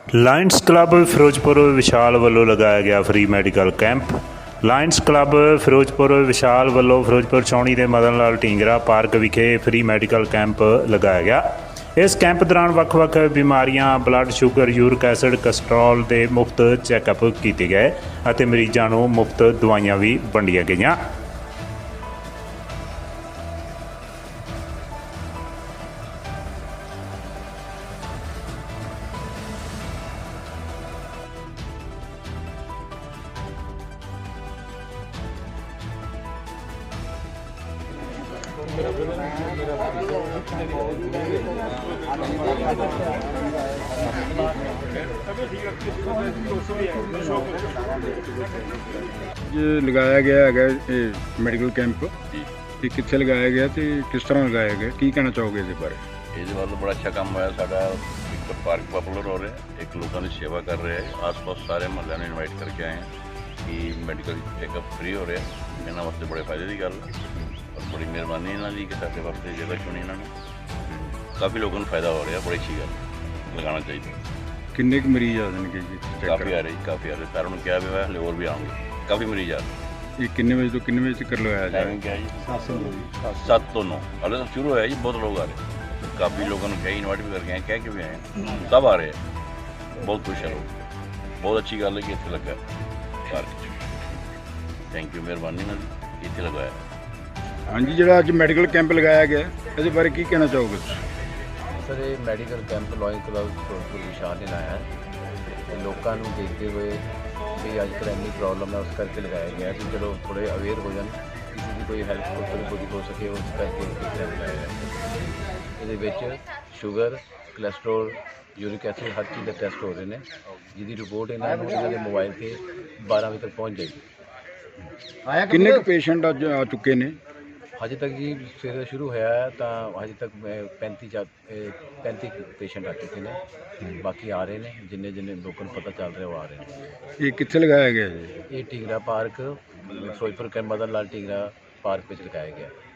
Lions Club Ferozepur Vishal ਵੱਲੋਂ ਲਗਾਇਆ ਗਿਆ free medical camp. Lions Club Ferozepur Vishal ਵੱਲੋਂ ਫਿਰੋਜ਼ਪੁਰ ਛਾਉਣੀ ਦੇ ਮਦਨ ਲਾਲ ਢੀਂਗਰਾ ਪਾਰਕ ਵਿਖੇ ਫ੍ਰੀ ਮੈਡੀਕਲ ਕੈਂਪ ਲਗਾਇਆ ਗਿਆ। ਇਸ ਕੈਂਪ ਦੌਰਾਨ ਵੱਖ-ਵੱਖ ਬਿਮਾਰੀਆਂ, blood sugar, uric acid, cholesterol ਦੇ ਮੁਫਤ ਚੈੱਕਅਪ ਕੀਤੇ ਗਏ ਅਤੇ ਮਰੀਜ਼ਾਂ ਨੂੰ ਮੁਫਤ ਦਵਾਈਆਂ ਵੀ ਵੰਡੀਆਂ ਗਈਆਂ। ये लगाया गया है मैडिकल कैंप ये कित्थे लगाया गया तो किस तरह लगाया गया, की कहना चाहोगे इस बारे? ਇਹਦੇ ਵੱਲ ਬੜਾ ਅੱਛਾ ਕੰਮ ਹੋਇਆ ਸਾਡਾ। ਇੱਕ ਪਾਰਕ ਪਪੂਲਰ ਹੋ ਰਿਹਾ, ਇੱਕ ਲੋਕਾਂ ਦੀ ਸੇਵਾ ਕਰ ਰਿਹਾ ਹੈ। ਆਸ-ਪਾਸ ਸਾਰੇ ਮੁਹੱਲਿਆਂ ਨੂੰ ਇਨਵਾਈਟ ਕਰਕੇ ਆਏ ਹਾਂ ਕਿ ਮੈਡੀਕਲ ਚੈੱਕਅਪ ਫ੍ਰੀ ਹੋ ਰਿਹਾ। ਇਹਨਾਂ ਵਾਸਤੇ ਬੜੇ ਫਾਇਦੇ ਦੀ ਗੱਲ ਹੈ ਔਰ ਬੜੀ ਮਿਹਰਬਾਨੀ ਇਹਨਾਂ ਦੀ ਕਿ ਸਾਡੇ ਵਾਸਤੇ ਜਗ੍ਹਾ ਚੁਣੀ ਇਹਨਾਂ ਨੇ। ਕਾਫੀ ਲੋਕਾਂ ਨੂੰ ਫਾਇਦਾ ਹੋ ਰਿਹਾ, ਬੜੀ ਅੱਛੀ ਗੱਲ, ਲਗਾਉਣਾ ਚਾਹੀਦਾ। किन्ने कुछ मरीज आ जाएंगे जी चेक ਕਾਫੀ ਆ ਰਹੇ ਜੀ, ਕਾਫੀ ਆ ਰਹੇ। ਸਾਰਿਆਂ ਨੂੰ ਕਿਹਾ ਵੀ ਹੋਇਆ, ਹਲੇ ਹੋਰ ਵੀ ਆਉਣਗੇ। ਕਾਫੀ ਮਰੀਜ਼ ਆ ਰਹੇ। ये किन्ने बजे तो किन्ने बजे तक लगाया जाए? ਟਾਈਮਿੰਗ ਕਿਹਾ ਜੀ 7 ਤੋਂ 9। ਹਲੇ ਤਾਂ ਸ਼ੁਰੂ ਹੋਇਆ ਜੀ, ਬਹੁਤ ਲੋਕ ਆ ਰਹੇ। ਕਾਫੀ ਲੋਕਾਂ ਨੂੰ ਕਹੀ ਇਨਵਾਈਟ ਵੀ ਕਰਕੇ ਆਏ, ਕਹਿ ਕੇ ਵੀ ਆਏ, ਸਭ ਆ ਰਹੇ ਆ। ਬਹੁਤ ਖੁਸ਼ ਹੈ ਲੋਕ, ਬਹੁਤ ਅੱਛੀ ਗੱਲ ਹੈ ਕਿ ਇੱਥੇ ਲੱਗਾ ਪਾਰਕ 'ਚ। ਥੈਂਕ ਯੂ, ਮਿਹਰਬਾਨੀ ਨਾਲ ਇੱਥੇ ਲਗਾਇਆ। हाँ जी, जो अज मैडिकल कैंप लगाया गया इस बारे की कहना चाहोगे? ਸਰ ਇਹ medical camp Lions Club Ferozepur Vishal ਨੇ ਲਾਇਆ ਹੈ। ਲੋਕਾਂ ਨੂੰ ਦੇਖਦੇ ਹੋਏ ਵੀ ਅੱਜ ਕੱਲ੍ਹ ਇੰਨੀ ਪ੍ਰੋਬਲਮ ਹੈ, ਉਸ ਕਰਕੇ ਲਗਾਇਆ ਗਿਆ ਕਿ ਚਲੋ ਥੋੜ੍ਹੇ ਅਵੇਅਰ ਹੋ ਜਾਣ, ਕਿਸੇ ਦੀ ਕੋਈ ਹੈਲਪ ਥੋੜ੍ਹੀ ਹੋ ਸਕੇ, ਉਸ ਕਰਕੇ ਇਹ ਕੈਂਪ ਲਾਇਆ ਹੈ। ਇਹਦੇ ਵਿੱਚ ਸ਼ੂਗਰ, ਕੋਲੈਸਟਰੋਲ, ਯੂਰਿਕ ਐਸਿਡ, ਹਰ ਚੀਜ਼ ਦੇ ਟੈਸਟ ਹੋ ਰਹੇ ਨੇ, ਜਿਹਦੀ ਰਿਪੋਰਟ ਇਹਨਾਂ ਨੂੰ ਇਹਨਾਂ ਦੇ ਮੋਬਾਈਲ 'ਤੇ 12 ਵਜੇ ਤੱਕ ਪਹੁੰਚ ਜਾਏਗੀ। किन्ने कुछ पेशेंट अज आ चुके ने? ਹਜੇ ਤੱਕ ਜੀ ਸਵੇਰੇ ਸ਼ੁਰੂ ਹੋਇਆ ਹੈ ਤਾਂ ਹਜੇ ਤੱਕ 35 ਪੇਸ਼ੈਂਟ ਆ ਚੁੱਕੇ ਨੇ। ਬਾਕੀ ਆ ਰਹੇ ਨੇ, ਜਿੰਨੇ ਲੋਕਾਂ ਨੂੰ ਪਤਾ ਚੱਲ ਰਿਹਾ ਉਹ ਆ ਰਹੇ ਨੇ। ये कित्थे लगाया गया जी? ਇਹ ਢੀਂਗਰਾ ਪਾਰਕ ਫਿਰੋਜ਼ਪੁਰ ਕੇ ਮਦਨ ਲਾਲ ਢੀਂਗਰਾ ਪਾਰਕ ਵਿੱਚ ਲਗਾਇਆ ਗਿਆ।